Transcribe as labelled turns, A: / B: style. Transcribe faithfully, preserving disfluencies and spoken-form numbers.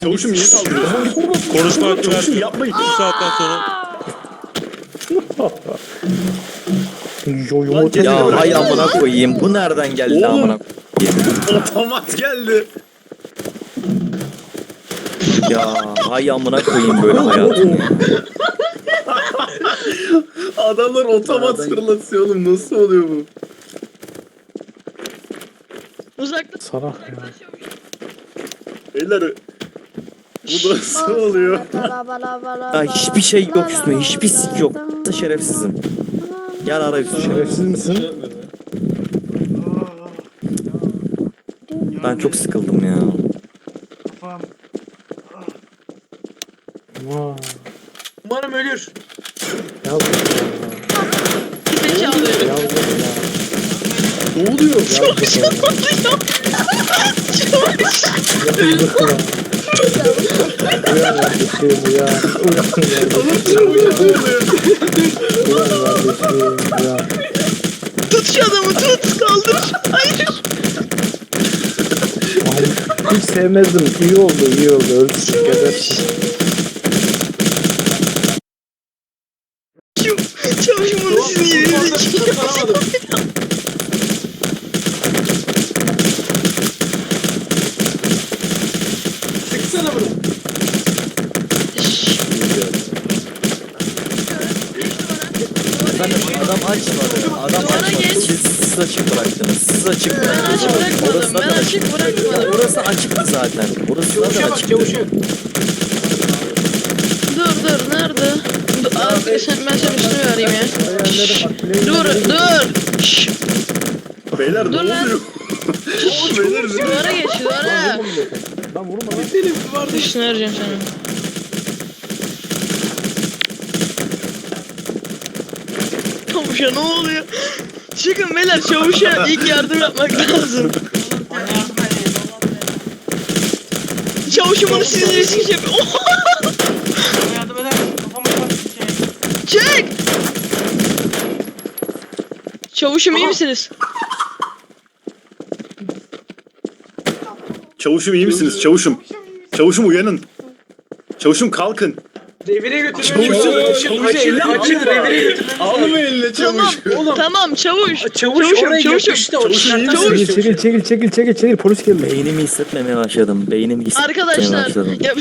A: Çavuşum niye saldırıyorsun?
B: Konuşma hakkı
A: Çavuşum
B: versin.
A: yapmayın.
B: Bu saatten sonra.
C: Yo yo
A: Lan
C: ya.
D: Ya hay amına koyayım. Bu nereden geldi
A: Oğlum.
D: amına koyayım?
A: Otomat geldi.
D: Ya hay amına koyayım böyle hayatım.
A: Adamlar otomat fırlatıyor oğlum. Nasıl oluyor bu?
E: Uzakta.
C: Salak ya.
A: Beyler bu nasıl oluyor?
D: Ya hiçbir şey yok üstüme. Hiçbir sik yok. Şerefsizim. Gel ara üstü.
C: Şerefsiz misin?
D: Ben çok sıkıldım ya.
C: Vay.
F: Umarım ölür.
C: Yazık
E: Zekalı.
C: ya. Yazık ya.
A: Ne oluyor?
C: Yazık ya. Yazık ya. Uyan kardeşim uyan. Uyan kardeşim. Uyan kardeşim uyan.
E: Tut şu adamı tut. Kaldır. Hayır.
C: Ay, hiç sevmezdim. İyi oldu iyi oldu. Ölsün gebersin.
E: Çavuşum bunu sizin yerinize çekiyor.
F: Sıksana bunu.
D: Efendim adam açmadı. Adam
E: Duvara
D: açmadı.
E: geç.
D: Siz, siz açık bıraktınız. Siz açık
E: Ben
D: bıraktınız.
E: açık bırakmadım.
D: Orası
E: Ben
D: zaten
E: açık
D: Ya
E: bırakmadım.
D: orası açıktı zaten. Orası
F: Çavuşa
D: zaten
F: bak
D: açıktı.
F: çavuşa.
E: Dur dur nerede? Dur, abi, sen, ben senin üstünü vereyim ya. Şşş. Dur dur. Şşş.
A: Beyler ne
E: Dur lan.
A: oluyor? Beyler ne?
E: Duvara geç duvara.
C: Lan vurma lan.
F: Benim duvarda
E: Üstünü vereceğim sana. Çavuşa ne oluyor? Çıkın beyler çavuşa ilk yardım yapmak lazım. Çavuşum onu sizin riski yapıyor.
F: yardım eder misin? Kafama bak bir şey.
E: Çek! Çavuşum iyi misiniz?
A: Çavuşum iyi misiniz? Çavuşum. Çavuşum uyanın. Çavuşum kalkın.
F: Revire götürün.
A: Çavuşum,
F: Açın,
A: çavuşum
F: açın,
A: eline
F: açın,
A: alma.
F: revire götürün.
A: Alma eline
E: Tamam,
A: çavuş.
F: Oğlum.
E: tamam çavuş.
F: Çavuş
E: Çavuşum,
F: oraya
E: çavuşum.
F: yapıştı. O
A: Çavuşum iyi
F: dışarıdan
A: misiniz?
C: Çekil çekil çekil çekil çekil çekil polis geldi.
D: Beynimi hissetmemeye başladım. Beynimi hissetmemeye
E: Arkadaşlar
D: başladım.
E: ya